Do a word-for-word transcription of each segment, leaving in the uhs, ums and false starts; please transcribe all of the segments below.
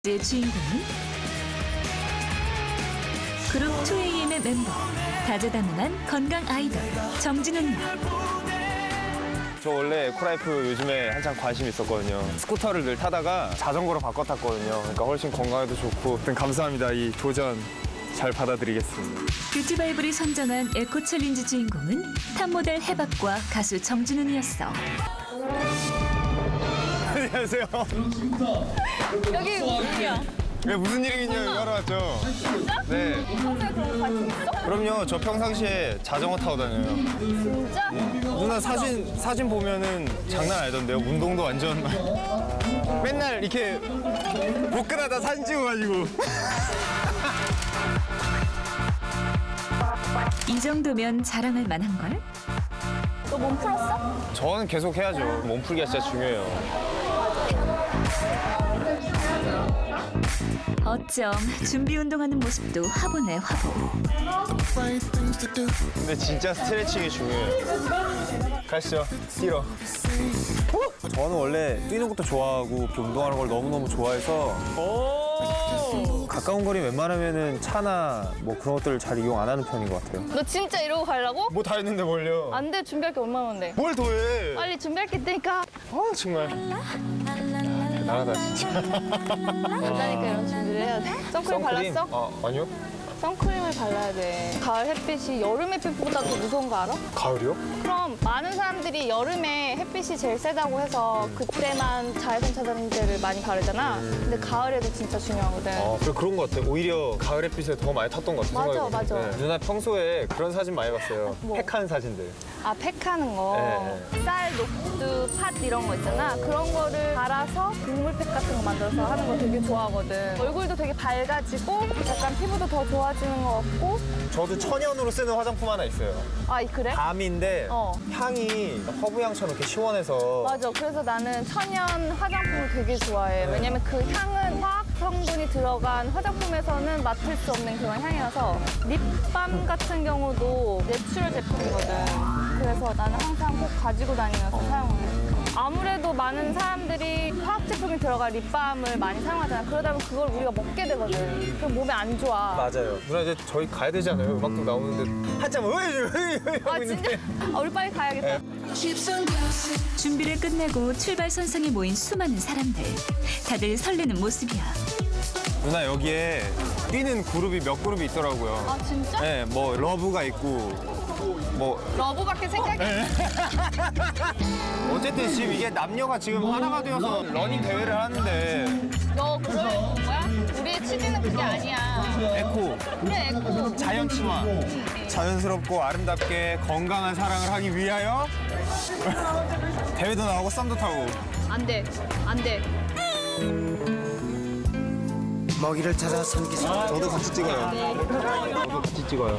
의 주인공은 그룹 투에이엠의 멤버, 다재다능한 건강 아이돌 정진훈 양. 저 원래 에코라이프 요즘에 한창 관심 있었거든요. 스쿠터를 늘 타다가 자전거로 바꿔 탔거든요. 그러니까 훨씬 건강에도 좋고. 아무튼 감사합니다. 이 도전 잘 받아들이겠습니다. 뷰티바이블이 선정한 에코 챌린지 주인공은 탑모델 해박과 가수 정진훈이었어. 안녕하세요. 여기 무슨 일이야? 네, 무슨 일이긴요. 여기 하러 왔죠. 진짜? 네. 평소에 그런 거 관심 있어? 그럼요. 저 평상시에 자전거 타고 다녀요. 진짜? 누나 사진 사진 보면은 장난 아니던데요. 운동도 완전 맨날 이렇게 복근하다 사진 찍어가지고. 이 정도면 자랑할 만한 걸? 너 몸 풀었어? 저는 계속 해야죠. 몸풀기가 진짜 중요해요. 어쩜 준비 운동하는 모습도 화보네 화보. 근데 진짜 스트레칭이 중요해요. 가시죠. 뛰러. 저는 원래 뛰는 것도 좋아하고 이렇게 운동하는 걸 너무너무 좋아해서 가까운 거리 웬만하면은 차나 뭐 그런 것들을 잘 이용 안 하는 편인 것 같아요. 너 진짜 이러고 가려고? 뭐 다 했는데 뭘요? 안 돼, 준비할 게 얼마나 많은데. 뭘 더해? 빨리 준비할 게 있다니까. 아 정말. 대단하다 진짜. 안다니까 이런 준비를 해야 돼. 선크림 발랐어? 아 아니요. 선크림을 발라야 돼. 가을 햇빛이 여름 햇빛보다 더 무서운 거 알아? 가을이요? 그럼 많은 사람들이 여름에 햇빛이 제일 세다고 해서 그때만 자외선 차단제를 많이 바르잖아. 근데 가을에도 진짜 중요하거든. 아 그래 그런 것 같아. 오히려 가을 햇빛에 더 많이 탔던 것 같아. 맞아, 생각해보니까. 맞아. 누나 평소에 그런 사진 많이 봤어요. 뭐? 팩하는 사진들. 아, 팩하는 거. 네, 쌀, 녹두, 팥 이런 거 있잖아. 그런 거를 갈아서 국물팩 같은 거 만들어서 하는 거 되게 좋아하거든. 얼굴도 되게 밝아지고 약간 피부도 더 좋아지는 것 같고. 저도 천연으로 쓰는 화장품 하나 있어요. 아, 그래? 밤인데 어. 향이 허브향처럼 이렇게 시원해서 맞아. 그래서 나는 천연 화장품을 되게 좋아해. 왜냐면 그 향은 화학 성분이 들어간 화장품에서는 맡을 수 없는 그런 향이라서 립밤 같은 경우도 내추럴 제품이거든. 그래서 나는 항상 꼭 가지고 다니면서 사용을 해. 아무래도 많은 사람들이 화학 제품이 들어간 립밤을 많이 사용하잖아. 그러다 보면 그걸 우리가 먹게 되거든. 그럼 몸에 안 좋아. 맞아요. 누나 이제 저희 가야 되잖아요. 음악도 나오는데 한참 으이 아, 진짜? 아, 우리 빨리 가야겠다. 준비를 끝내고 출발 선상에 모인 수많은 사람들. 다들 설레는 모습이야. 누나 여기에 뛰는 그룹이 몇 그룹이 있더라고요. 아, 진짜? 네, 뭐 러브가 있고 뭐 러브밖에 생각이 안 나. 어쨌든 지금 이게 남녀가 지금 하나가 되어서 러닝 대회를 하는데 너 그걸 본 거야? 우리의 취지는 그게 아니야. 에코, 그래, 에코. 자연 친화, 자연스럽고 아름답게 건강한 사랑을 하기 위하여 대회도 나오고 썸도 타고. 안 돼, 안 돼. 먹이를 찾아 산기슭 저도 같이 찍어요. 저도 같이 찍어요.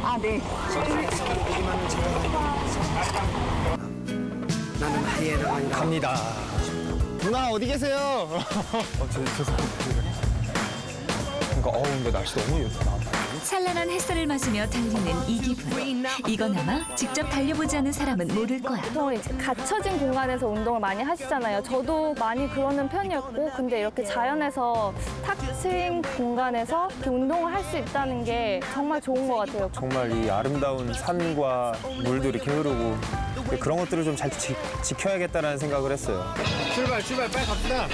나는 하이에나가 아니라 갑니다. 누나 어디 계세요? 어, 저, 죄송합니다. 그러니까 어우 근데 날씨 너무 예쁘다. 찬란한 햇살을 맞으며 달리는 이 기분. 이건 아마 직접 달려보지 않은 사람은 모를 거야. 보통 이제 갇혀진 공간에서 운동을 많이 하시잖아요. 저도 많이 그러는 편이었고, 근데 이렇게 자연에서 탁 트인 공간에서 이렇게 운동을 할 수 있다는 게 정말 좋은 것 같아요. 정말 이 아름다운 산과 물도 이렇게 흐르고 그런 것들을 좀 잘 지켜야겠다는 생각을 했어요. 출발 출발 빨리 갑시다.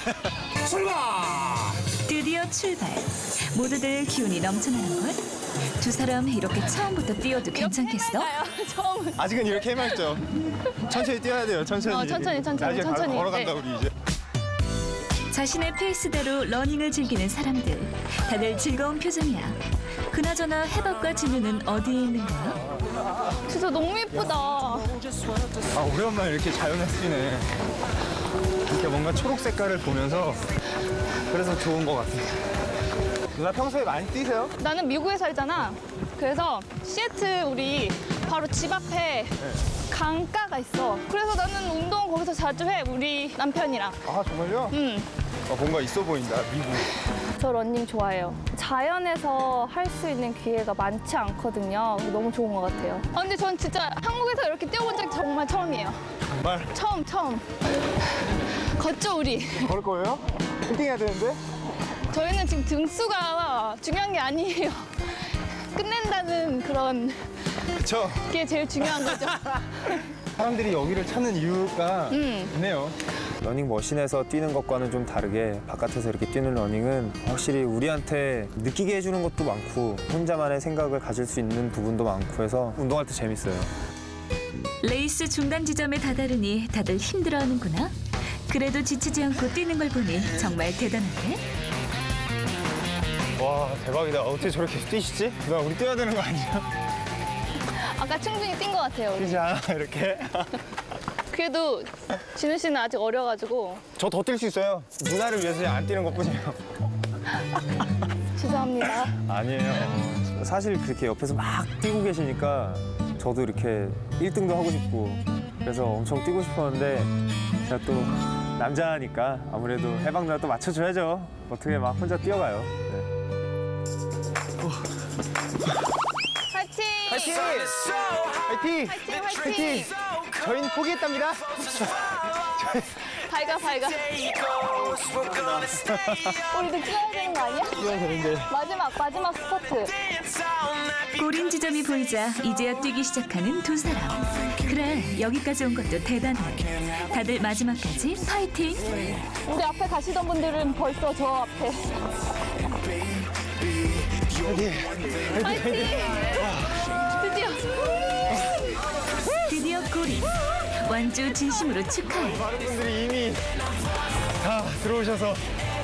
드디어 출발. 모두들 기운이 넘쳐나는 걸. 두 사람 이렇게 처음부터 뛰어도 괜찮겠어? 처음. 아직은 이렇게 해맑죠. 천천히 뛰어야 돼요. 천천히. 어, 천천히, 천천히, 나중에 천천히. 걸어간다 네. 우리 이제. 자신의 페이스대로 러닝을 즐기는 사람들. 다들 즐거운 표정이야. 그나저나 해박과 진우는 어디에 있는 거야? 진짜 너무 예쁘다. 아 오랜만에 이렇게 자연에 쓰네. 이렇게 뭔가 초록 색깔을 보면서 그래서 좋은 것 같아요. 누나 평소에 많이 뛰세요? 나는 미국에 살잖아. 그래서 시애틀 우리 바로 집 앞에 강가가 있어. 그래서 나는 운동 거기서 자주 해. 우리 남편이랑. 아 정말요? 응. 아, 뭔가 있어 보인다 미국. 저 러닝 좋아해요. 자연에서 할 수 있는 기회가 많지 않거든요. 너무 좋은 것 같아요. 아, 근데 전 진짜 한국에서 이렇게 뛰어본 적 정말 처음이에요. 정말? 처음, 처음. 걷죠, 우리. 걸을 거예요? 힐팅해야 되는데? 저희 지금 등수가 중요한 게 아니에요. 끝낸다는 그런 그쵸? 게 제일 중요한 거죠. 사람들이 여기를 찾는 이유가 음. 있네요. 러닝머신에서 뛰는 것과는 좀 다르게 바깥에서 이렇게 뛰는 러닝은 확실히 우리한테 느끼게 해주는 것도 많고 혼자만의 생각을 가질 수 있는 부분도 많고 해서 운동할 때 재밌어요. 레이스 중단 지점에 다다르니 다들 힘들어하는구나. 그래도 지치지 않고 뛰는 걸 보니 정말 대단한데? 와 대박이다. 어떻게 저렇게 뛰시지? 나 우리 뛰어야 되는 거 아니야? 아까 충분히 뛴 것 같아요. 우리. 뛰지 않아 이렇게? 그래도 진우 씨는 아직 어려가지고 저 더 뛸 수 있어요. 누나를 위해서 안 뛰는 것뿐이에요. 죄송합니다. 아니에요. 사실 그렇게 옆에서 막 뛰고 계시니까 저도 이렇게 일 등도 하고 싶고 그래서 엄청 뛰고 싶었는데 제가 또 남자니까 아무래도 해방 누나 또 맞춰줘야죠. 어떻게 막 혼자 뛰어가요. 네. 화이팅! 화이팅! 화이팅! 화이팅! 화이팅! 저희는 포기했답니다. 밝아 밝아. 우리도 뛰어야 되는 거 아니야? 뛰어야 되는데. 마지막 마지막 스퍼트. 꼬린 지점이 보이자 이제야 뛰기 시작하는 두 사람. 그래, 여기까지 온 것도 대단해. 다들 마지막까지 파이팅! 우리 앞에 가시던 분들은 벌써 저 앞에. 화이팅! 화이팅! 드디어. 드디어 꼬린. 완주 진심으로 축하해. 많은 분들이 이미 다 들어오셔서.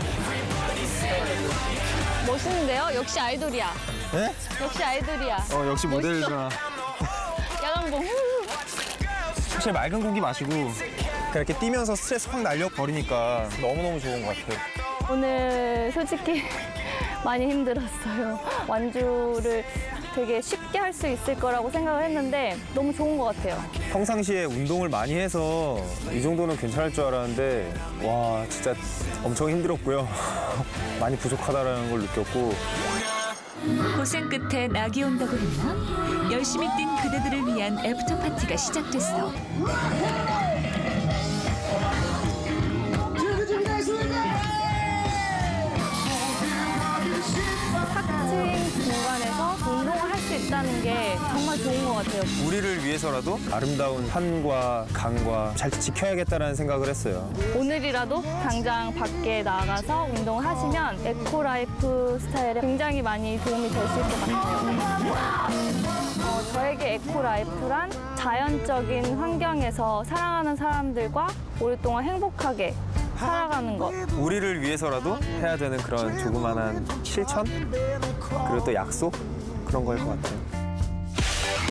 멋있는데요? 역시 아이돌이야. 네? 역시 아이돌이야. 어 역시 모델이구나. 야광봉. 사실 맑은 공기 마시고 그렇게 뛰면서 스트레스 확 날려버리니까 너무너무 좋은 것 같아요. 오늘 솔직히 많이 힘들었어요. 완주를 되게 쉽게 할 수 있을 거라고 생각을 했는데 너무 좋은 것 같아요. 평상시에 운동을 많이 해서 이 정도는 괜찮을 줄 알았는데 와 진짜 엄청 힘들었고요. 많이 부족하다는 걸 느꼈고 고생 끝에 낙이 온다고 했나? 열심히 뛴 그대들을 위한 애프터 파티가 시작됐어. 학생 공간에서 운동을 할 수 있다는 게 정말 좋은 것 같아요. 우리를 위해서라도 아름다운 산과 강과 잘 지켜야겠다는 생각을 했어요. 오늘이라도 당장 밖에 나가서 운동을 하시면 에코라이프 스타일에 굉장히 많이 도움이 될 수 있을 것 같아요. 어, 저에게 에코라이프란 자연적인 환경에서 사랑하는 사람들과 오랫동안 행복하게 살아가는 것. 우리를 위해서라도 해야 되는 그런 조그만한 실천? 그리고 또 약속? 그런 거일 것 같아요.